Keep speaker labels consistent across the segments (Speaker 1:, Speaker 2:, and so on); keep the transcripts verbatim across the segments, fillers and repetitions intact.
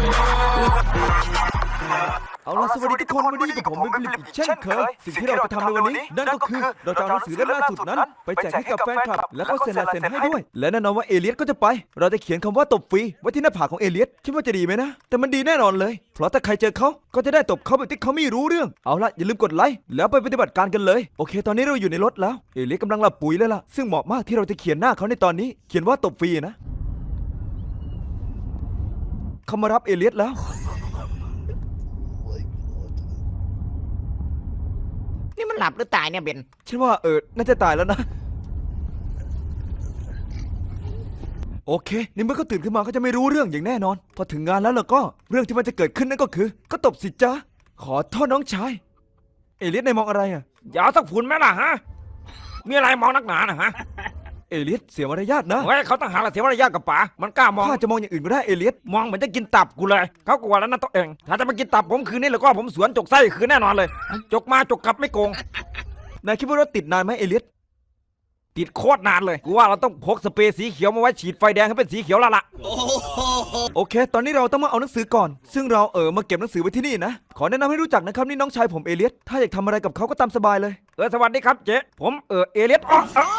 Speaker 1: เอาล่ะสวัสดีทุกคนวันนี้กับผมเป็นฟิลิปอีกเช่นเคยสิ่งที่เราจะทำในวันนี้นั่นก็คือเราจะเอาหนังสือเล่มล่าสุดนั้นไปแจกให้กับแฟนคลับแล้วก็เซ็นลายเซ็นให้ด้วยและแน่นอนว่าเอเลียสก็จะไปเราจะเขียนคำว่าตบฟรีไว้ที่หน้าผากของเอเลียสคิดว่าจะดีไหมนะแต่มันดีแน่นอนเลยเพราะถ้าใครเจอเขาก็จะได้ตบเขาแบบที่เขาไม่รู้เรื่องเอาล่ะอย่าลืมกดไลค์แล้วไปปฏิบัติการกันเลยโอเคตอนนี้เราอยู่ในรถแล้วเอเลียสกำลังหลับปุ๋ยเลยล่ะซึ่งเหมาะมากที่เราจะเขียนหน้าเขาในตอนนี้เขียนว่าตบฟรีนะเขามารับเอเลียสแล้ว
Speaker 2: นี่มันหลับหรือตายเนี่ยเบน
Speaker 1: ฉันว่าเออน่าจะตายแล้วนะโอเคนี่เมื่อเขาตื่นขึ้นมาเขาจะไม่รู้เรื่องอย่างแน่นอนพอถึงงานแล้วล่ะก็เรื่องที่มันจะเกิดขึ้นนั่นก็คือก็ตบสิจ้าขอโทษน้องชายเอเลียสนายมองอะไรอ่ะ
Speaker 3: อย่าสักฝุ่นไหมล่ะฮะมีอะไรมองนักหนานะฮะ
Speaker 1: เอเลียสเสียมารยาทนะ
Speaker 3: เฮ้ยเขาต้องหาอะไรเสียมารยาทกับป๋ามันกล้ามอง
Speaker 1: ข้าจะมองอย่างอื่นก็ได้เอเลียส
Speaker 3: มองเหมือนจะกินตับกูเลยเขากลัวแล้วนะตัวเองถ้าจะมากินตับผมคืนนี้แล้วก็ผมสวนจกไส้คืนแน่นอนเลยจกมาจกกลับไม่โกง
Speaker 1: นายคิดว่ารถติดนานไหมเอเลียส
Speaker 3: ติดโคตรนานเลยกูว่าเราต้องพกสเปรย์สีเขียวมาไว้ฉีดไฟแดงให้เป็นสีเขียวแล้วล่ะ
Speaker 1: โอเคตอนนี้เราต้องมาเอาหนังสือก่อนซึ่งเราเออมาเก็บหนังสือไว้ที่นี่นะขอแนะนำให้รู้จักนะครับนี่น้องชายผมเอเลียสถ้าอยากทำอะไรกับเขาก็ตามสบายเลย
Speaker 3: เออสวัสดีครับเจ๊ผมเออเอเลียสอ๋อ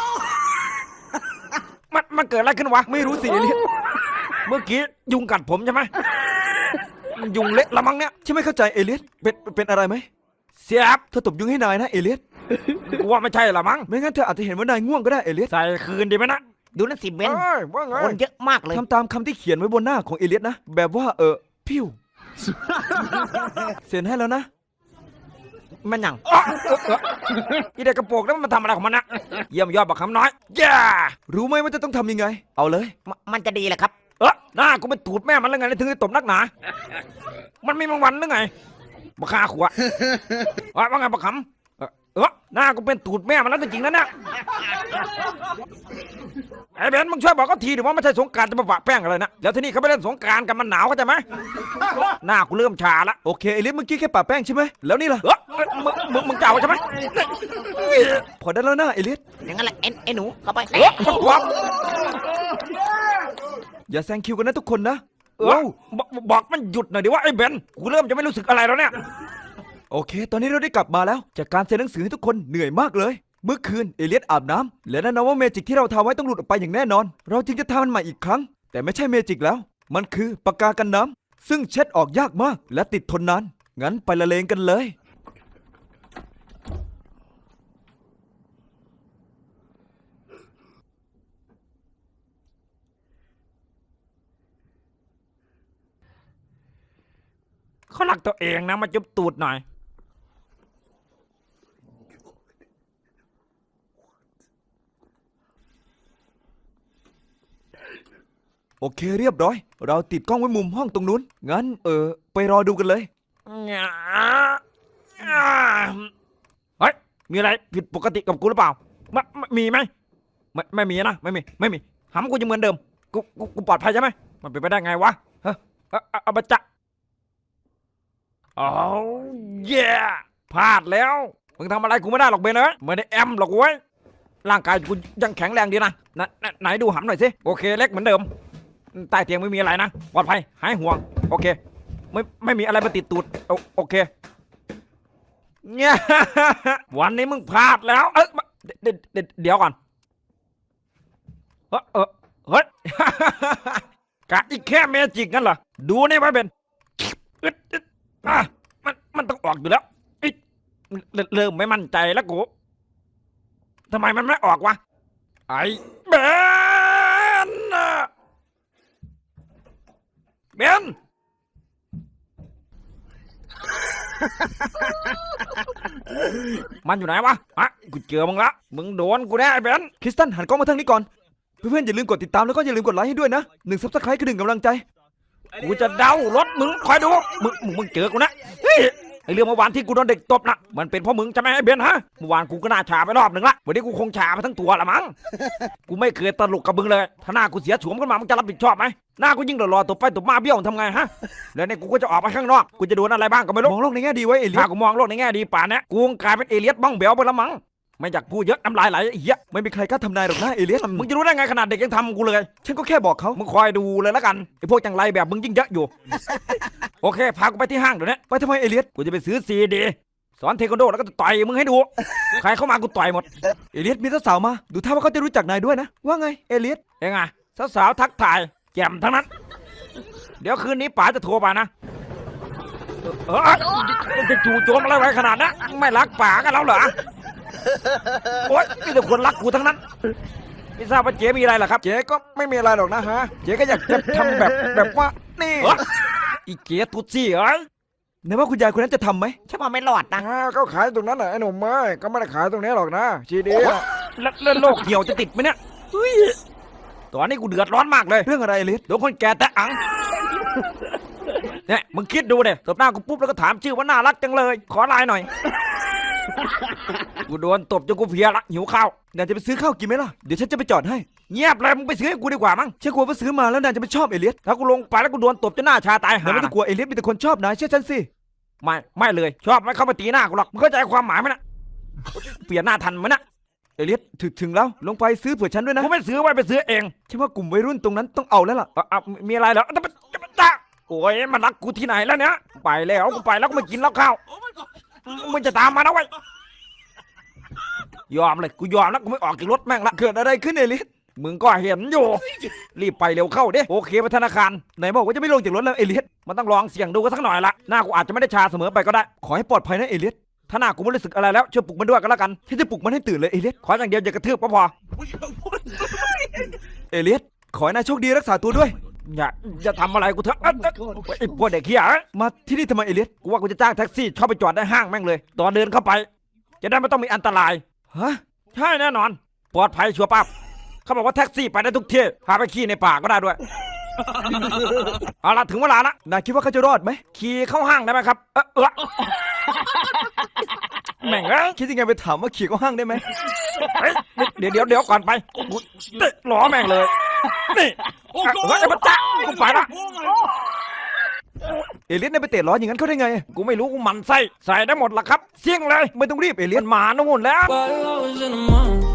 Speaker 3: มันมันเกิดอะไรขึ้นวะ
Speaker 1: ไม่รู้สิเอเลียส
Speaker 3: เมื่อกี้ยุงกัดผมใช่ไหมมันยุงเละละมั้งเนี่ย
Speaker 1: ใช่ไม่เข้าใจเอเลียสเป็นเป็นอะไรไหม
Speaker 3: เสียบ
Speaker 1: เธอตบยุงให้นายนะเอเลียส
Speaker 3: กูว่าไม่ใช่ละมั้ง
Speaker 1: ไม่งั้นเธออาจจะเห็นว่านายง่วงก็ได้เอเลียส
Speaker 3: ใส่คืนดีไหมนะ
Speaker 2: ดูนั่นสิเบน
Speaker 3: คน
Speaker 2: เยอะมากเลย
Speaker 1: ทำตามคำที่เขียนไว้บนหน้าของเอเลียสนะแบบว่าเออพิ้วเซ็นให้แล้วนะ
Speaker 2: มันยัง
Speaker 3: อีเด็กกระโปรงนั้นมันทำอะไรของมันนะเยี่ยมยอดบักคำน้อยย่า
Speaker 1: รู้ไหมว่าจะต้องทำยังไงเอาเลย
Speaker 2: มันจะดีแหละครับ
Speaker 3: เออหน้ากูเป็นตูดแม่มันแล้วไงถึงได้ตบนักหนามันมีบางวันหรือไงบักคาขวะว่าไงบักคำเออหน้ากูเป็นตูดแม่มันแล้วจริงๆนะเนี่ยไอ้เบนมึงช่วยบอกเขาทีดิว่าไม่ใช่สงกรานต์จะมาปะแป้งอะไรนะแล้วที่นี่เขาไม่เล่นสงกรานต์กันมันหนาวเข้าใจไหมหน้ากูเริ่มชาละ
Speaker 1: โอเคเอเลียสเมื่อกี้แค่ปะแป้งใช่ไหมแล้วนี่ล่ะ
Speaker 3: เออมึงมึงมึงเจ้าใช่ไหม
Speaker 1: พอได้แล้วนะเอเลียส
Speaker 2: อย่างนั้นแหละเอ็นไอ้หนูเข้าไป
Speaker 3: เออ
Speaker 1: อย่าแซงคิวกันนะทุกคนนะ
Speaker 3: เออบอกมันหยุดหน่อยดิว่าไอ้เบนกูเริ่มจะไม่รู้สึกอะไรแล้วเนี่ย
Speaker 1: โอเคตอนนี้เราได้กลับมาแล้วจากการเซ็นหนังสือให้ทุกคนเหนื่อยมากเลยเมื่อคืนเอเลียสอาบน้ำและแน่นอนว่าเมจิกที่เราทำไว้ต้องหลุดออกไปอย่างแน่นอนเราจึงจะทำมันใหม่อีกครั้งแต่ไม่ใช่เมจิกแล้วมันคือปากกากันน้ำซึ่งเช็ดออกยากมากและติดทนนานงั้นไปละเลงกันเลย
Speaker 3: เขาหลักตัวเองนะมาจุบตูดหน่อย
Speaker 1: โอเคเรียบร้อยเราติดกล้องไว้มุมห้องตรงนู้นงั้นเออไปรอดูกันเลย
Speaker 3: เฮ้ยมีอะไรผิดปกติกับกูหรือเปล่าไม่มีไหมไม่ไม่มีนะไม่มีไม่มีหำกูยังเหมือนเดิมกูกูกูปลอดภัยใช่ไหมมันเป็นไปได้ไงวะเฮ้ยเอาไปจะโอ้เย่พลาดแล้วมึงทำอะไรกูไม่ได้หรอกเบนเอ้ยไม่ได้แอมหรอกเว้ยร่างกายกูยังแข็งแรงดีนะไหนดูหำหน่อยสิโอเคเล็กเหมือนเดิมใต้เตียงไม่มีอะไรนะปลอดภัยหายห่วงโอเคไม่ไม่มีอะไรมาติดตูดโอเคเนี่ยวันนี้มึงพลาดแล้วเออเดี๋ยวก่อนเออเออเฮ้ยกะอีกแค่เมจิกงั้นเหรอดูนี่ไว้เบนอ่ะมันมันต้องออกอยู่แล้วเริ่มไม่มั่นใจแล้วกูทำไมมันไม่ออกวะไอ้เบนเบนมันอยู่ไหนวะอ่ะกูเจอมึงละมึงโดนกูแน่ไอ้เบน
Speaker 1: คริสตันหันกล้องมาทางนี้ก่อนเพื่อนๆอย่าลืมกดติดตามแล้วก็อย่าลืมกดไลค์ให้ด้วยนะหนึ่งซับสไครต์คือหนึ่งกำลังใจ
Speaker 3: กูจะเดารถมึงคอยดูมึงมึงเจอกูนะไอเรื่องเมื่อวานที่กูโดนเด็กตบนะมันเป็นเพราะมึงใช่ไหมไอ้เบนฮะเมื่อวานกูก็น่าชาไปรอบหนึ่งละวันนี้กูคงชาไปทั้งตัวละมั้งกูไม่เคยตลกกับมึงเลยถ้าหน้ากูเสียฉวมขึ้นมามึงจะรับผิดชอบไหมหน้ากูยิ่งรอตบไปตบมาเบี้ยวทำไงฮะแล้วเนี่ยกูก็จะออกไปข้างนอกกูจะโดนอะไรบ้างก็ไม่รู้
Speaker 1: มองโลกในแง่ดีไว้เอเลียส
Speaker 3: กูมองโลกในแง่ดีป่านนี้กูกลายเป็นเอเลียสบ้องเบลไปละมั้งไไม่อยากพูดเยอะน้ำลายไหลไอ้เหี้ย
Speaker 1: ไม่มีใครกล้าทำนายหรอกนะเอเลียส
Speaker 3: มึงจะรู้ได้ไงขนาดเด็กยังทำกูเลย
Speaker 1: ฉันก็แค่บอกเขา
Speaker 3: มึงคอยดูเลยแล้วกันไอ้พวกจังไรแบบมึงยิ่งเยอะอยู่ โอเคพากูไปที่ห้างเดี๋ยวนี้
Speaker 1: ไปทำไมเอเลียส
Speaker 3: กูจะไปซื้อซีดีสอนเทควันโดแล้วก็จะต่อยมึงให้ดู ใครเข้ามากูต่อยหมด
Speaker 1: เอเลียสมีสาวๆมาดูท่าว่าเขาจะรู้จักนายด้วยนะว่าไงเอเลียส
Speaker 3: เองอะสาวๆทักทายแจ่มทั้งนั้น เดี๋ยวคืนนี้ป๋าจะโทรมานะเออจะจู่โจมอะไรไว้ขนาดนั้นไม่รักป๋ากันแล้วเหรอโอ๊ยมีแต่คนรักกูทั้งนั้นไม่ทราบว่าเจ๊มีอะไรเหรอครับ
Speaker 1: เจ๊ก็ไม่มีอะไรหรอกนะฮะเจ๊ก็อยากจะทำแบบแบบว่านี่
Speaker 3: เอ้ออีเจ๊ตุ๊ดซี่เอ้ย
Speaker 1: ไหนว่าคุณยายคนนั้นจะทำไหม
Speaker 2: ฉันว่าไม่รอดนะ
Speaker 1: อ่าก็ขายตรงนั้นแหละไอ้หนุ่มไม่ก็ไม่ได้ขายตรงนี้หรอกนะชีดี
Speaker 3: แล้วแล้วโรคเหี่ยวจะติดไหมเนี่ยเฮ้ยตอนนี้กูเดือดร้อนมากเลย
Speaker 1: เรื่องอะไรเอเลียส
Speaker 3: โดนคนแก่แต่อังเนี่ยมึงคิดดูเด็ตบหน้ากูปุ๊บแล้วก็ถามชื่อว่าน่ารักจังเลย ขอไลน์หน่อย กูโดนตบจนกูเพลียละหิวข้าวน
Speaker 1: ายจะไปซื้อข้าวกินไหมล่ะเดี๋ยวฉันจะไปจอดให้
Speaker 3: เงียบเลยมึงไปซื้อให้กูดีกว่ามั้ง
Speaker 1: ฉันกลัวว่าซื้อมาแล้วนายจะไม่ชอบเอเลียส
Speaker 3: ถ้ากูลงไปแล้วกูโดนตบจนหน้าชาตาย
Speaker 1: นาย
Speaker 3: หา
Speaker 1: ไม่ต้องกลัวเอเลียสมีแต่คนชอบนายเชื่อฉันสิ
Speaker 3: ไม่ไม่เลย ชอบไม่เข้ามาตีหน้ากูหรอกมึงเข้าใจความหมายไหมนะเปลี่ยนหน้าทันไหมนะ
Speaker 1: เอเลียสถึงถึงแล้วลงไปซื้อเผื่อฉันด้วยนะ
Speaker 3: กูไม่ซื้อไว้ไปซื้อเอง
Speaker 1: ฉันว่ากลุ่มวัยรุ่นตรงนั้นต้องเอาแล้วล่ะ
Speaker 3: เอาเอามีอะไรเหรอจะไปจะไปจ้าโอ้ยมันรักกูที่ไหนแล้วเนี่ยไปแล้วกูไปแล้วกูไม่กินแล้วข้าวมึงจะตามมานะเว้ยยอมเลยกูยอมแล้วกูไม่ออกจากรถแม่งละ
Speaker 1: เกิดอะไรขึ้นเอเลียส
Speaker 3: มึงก็เห็นอยู่ รีบไปเร็วเข้าเด้โอเคไปธนาคาร
Speaker 1: ไหนบอกว่าจะไม่ลงจากรถแล้วเอเลียส
Speaker 3: มันต้องลองเสี่ยงดูกันสักหน่อยละหน้ากูอาจจะไม่ได้ชาเสมอไปก็ได้
Speaker 1: ขอให้ปลอดภัยนะเอเลียส
Speaker 3: ถ้าหน้ากูไม่รู้สึกอะไรแล้วช่วยปลุกมันด้วยกันแล้วกัน
Speaker 1: ฉันจะปลุกมันให้ตื่นเลยเอเลียส
Speaker 3: ขออย่างเดียวอย่ากระทืบก็พอ
Speaker 1: เอเลียสขอให้นายโชคดีรักษาตัวด้วย
Speaker 3: อย่าอย่าทำอะไรกูเถอะเอ้ยเอ้ยไอ้พวกเด็กเหี้ยเอ้ย
Speaker 1: มาที่นี่ทำไมเอเลียส
Speaker 3: กูว่ากูจะจ้างแท็กซี่เข้าไปจอดได้ห้างแม่งเลย ตอนเดินเข้าไป จะได้ไม่ต้องมีอันตราย
Speaker 1: ฮะ
Speaker 3: ใช่แน่นอน ปลอดภัยชัวร์ปั๊บเขาบอกว่าแท็กซี่ไปได้ทุกที่พาไปขี่ในป่าก็ได้ด้วย เอาละถึงเวลาละ
Speaker 1: นายคิดว่าเขาจะรอดไหม
Speaker 3: ขี่เข้าห้างได้ไหมครับ เออเออแม่งเอ้ย
Speaker 1: คิดยังไงไปถามว่าขี่เข้าห้างได้ไหม
Speaker 3: เฮ้ยเดี๋ยวเดี๋ยวเดี๋ยวก่อนไปกูเตะล้อแม่งเลย นี่เฮ้ยไอ้บัจจ๊ะกูไปละ
Speaker 1: เอเลียสนายไปเตะล้ออย่างนั้นเขาได้ไง
Speaker 3: กูไม่รู้กูหมันไส้ใส่ได้หมดละครับ เสี่ยงเลย
Speaker 1: ไม่ต้องรีบเอเลีย
Speaker 3: มั
Speaker 1: ส
Speaker 3: นมาโน่นแล้ว
Speaker 4: While I was in the mall